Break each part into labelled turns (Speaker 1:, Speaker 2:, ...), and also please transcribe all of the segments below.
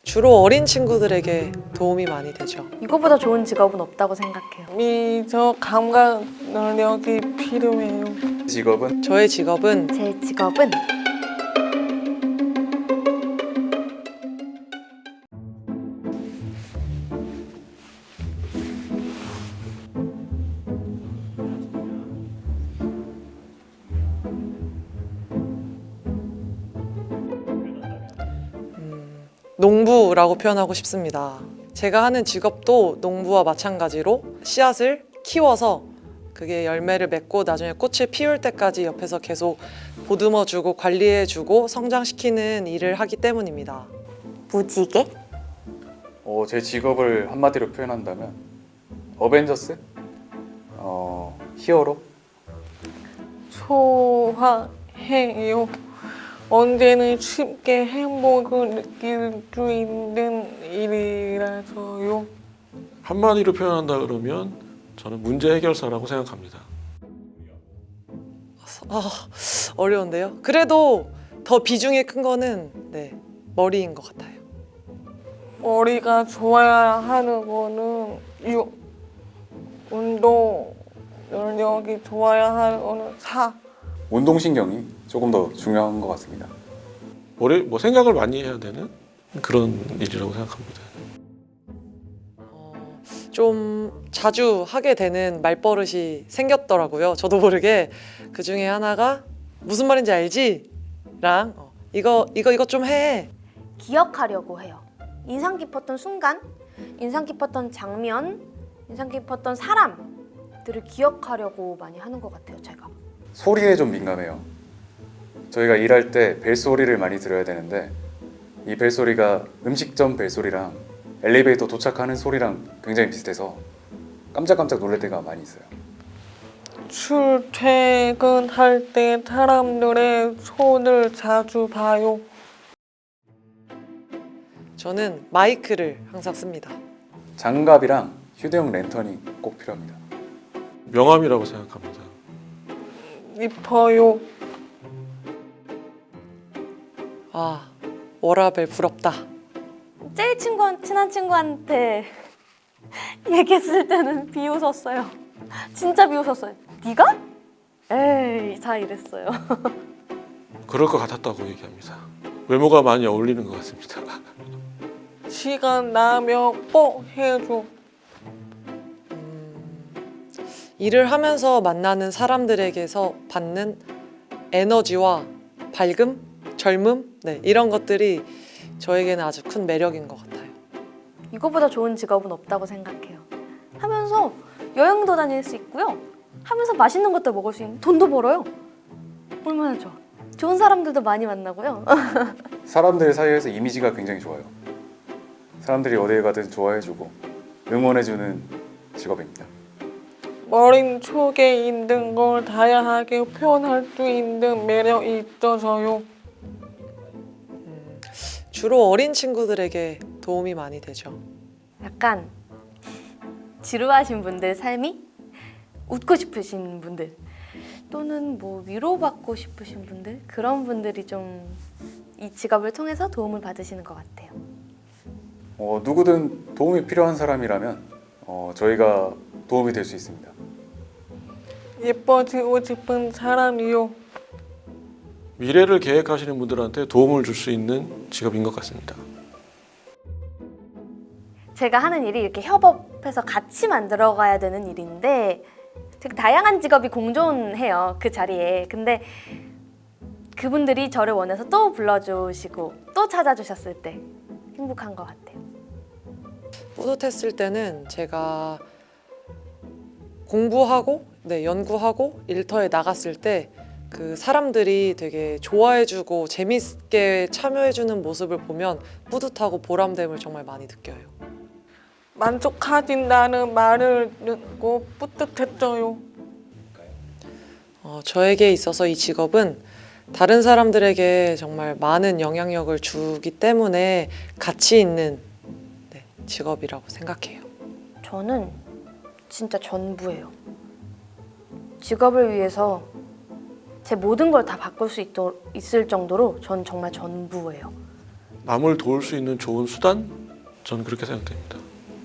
Speaker 1: 주로 어린 친구들에게 도움이 많이 되죠.
Speaker 2: 이거보다 좋은 직업은 없다고 생각해요.
Speaker 3: 미적 감각 능력이 필요해요.
Speaker 4: 직업은
Speaker 1: 저의 직업은
Speaker 2: 제 직업은
Speaker 1: 농부라고 표현하고 싶습니다. 제가 하는 직업도 농부와 마찬가지로 씨앗을 키워서 그게 열매를 맺고 나중에 꽃을 피울 때까지 옆에서 계속 보듬어주고 관리해주고 성장시키는 일을 하기 때문입니다.
Speaker 2: 무지개?
Speaker 4: 제 직업을 한마디로 표현한다면 어벤져스? 히어로?
Speaker 3: 좋아해요. 언제는 쉽게 행복을 느낄 수 있는 일이라서요.
Speaker 5: 한마디로 표현한다 그러면 저는 문제 해결사라고 생각합니다.
Speaker 1: 어려운데요. 그래도 더 비중이 큰 거는 머리인 것 같아요.
Speaker 3: 머리가 좋아야 하는 거는 운동 능력이 좋아야 하는 거는
Speaker 4: 운동신경이 조금 더 중요한 것 같습니다.
Speaker 5: 생각을 많이 해야 되는 그런 일이라고 생각합니다.
Speaker 1: 좀 자주 하게 되는 말버릇이 생겼더라고요. 저도 모르게 그 중에 하나가 무슨 말인지 알지? 랑 이거 좀 해.
Speaker 2: 기억하려고 해요. 인상 깊었던 순간, 인상 깊었던 장면, 인상 깊었던 사람들을 기억하려고 많이 하는 것 같아요, 제가.
Speaker 4: 소리에 좀 민감해요. 저희가 일할 때 벨소리를 많이 들어야 되는데 이 벨소리가 음식점 벨소리랑 엘리베이터 도착하는 소리랑 굉장히 비슷해서 깜짝깜짝 놀랄 때가 많이 있어요.
Speaker 3: 출퇴근할 때 사람들의 손을 자주 봐요.
Speaker 1: 저는 마이크를 항상 씁니다.
Speaker 4: 장갑이랑 휴대용 랜턴이 꼭 필요합니다.
Speaker 5: 명함이라고 생각합니다.
Speaker 3: 입어요.
Speaker 1: 워라벨 부럽다.
Speaker 2: 제일 친한 친구한테 얘기했을 때는 비웃었어요. 진짜 비웃었어요. 네가? 에이, 다 이랬어요.
Speaker 5: 그럴 것 같았다고 얘기합니다. 외모가 많이 어울리는 것 같습니다.
Speaker 3: 시간 나면 꼭 해줘.
Speaker 1: 일을 하면서 만나는 사람들에게서 받는 에너지와 밝음, 젊음, 이런 것들이 저에게는 아주 큰 매력인 것 같아요.
Speaker 2: 이거보다 좋은 직업은 없다고 생각해요. 하면서 여행도 다닐 수 있고요. 하면서 맛있는 것도 먹을 수 있는 돈도 벌어요. 얼마나 좋아. 좋은 사람들도 많이 만나고요.
Speaker 4: 사람들 사이에서 이미지가 굉장히 좋아요. 사람들이 어디에 가든 좋아해주고 응원해주는 직업입니다.
Speaker 3: 머릿 속에 있는 걸 다양하게 표현할 수 있는 매력이 있어서요.
Speaker 1: 주로 어린 친구들에게 도움이 많이 되죠.
Speaker 2: 약간 지루하신 분들 삶이 웃고 싶으신 분들 또는 뭐 위로받고 싶으신 분들 그런 분들이 좀 이 직업을 통해서 도움을 받으시는 것 같아요.
Speaker 4: 누구든 도움이 필요한 사람이라면 저희가 도움이 될 수 있습니다.
Speaker 3: 예뻐지고 싶은 사람이요.
Speaker 5: 미래를 계획하시는 분들한테 도움을 줄 수 있는 직업인 것 같습니다.
Speaker 2: 제가 하는 일이 이렇게 협업해서 같이 만들어가야 되는 일인데 되게 다양한 직업이 공존해요, 그 자리에. 근데 그분들이 저를 원해서 또 불러주시고 또 찾아주셨을 때 행복한 것 같아요.
Speaker 1: 뿌듯했을 때는 제가 공부하고 연구하고 일터에 나갔을 때 그 사람들이 되게 좋아해주고 재밌게 참여해주는 모습을 보면 뿌듯하고 보람됨을 정말 많이 느껴요.
Speaker 3: 만족하신다는 말을 듣고 뿌듯했어요.
Speaker 1: 저에게 있어서 이 직업은 다른 사람들에게 정말 많은 영향력을 주기 때문에 가치 있는 직업이라고 생각해요.
Speaker 2: 저는 진짜 전부예요. 직업을 위해서 제 모든 걸 다 바꿀 수 있을 정도로 전 정말 전부예요.
Speaker 5: 남을 도울 수 있는 좋은 수단? 저는 그렇게 생각됩니다.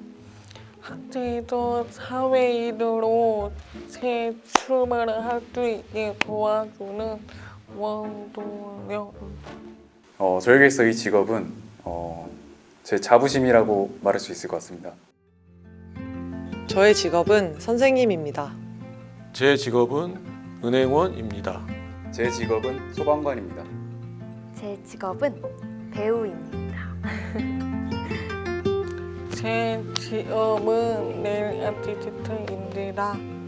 Speaker 3: 학생도 사회인으로 새 출발을 할 수 있게 도와주는 원동력.
Speaker 4: 저에게서 이 직업은 제 자부심이라고 말할 수 있을 것 같습니다.
Speaker 1: 저의 직업은 선생님입니다.
Speaker 5: 제 직업은 은행원입니다.
Speaker 4: 제 직업은 소방관입니다.
Speaker 2: 제 직업은 배우입니다.
Speaker 3: 제 직업은 네일 아티스트입니다.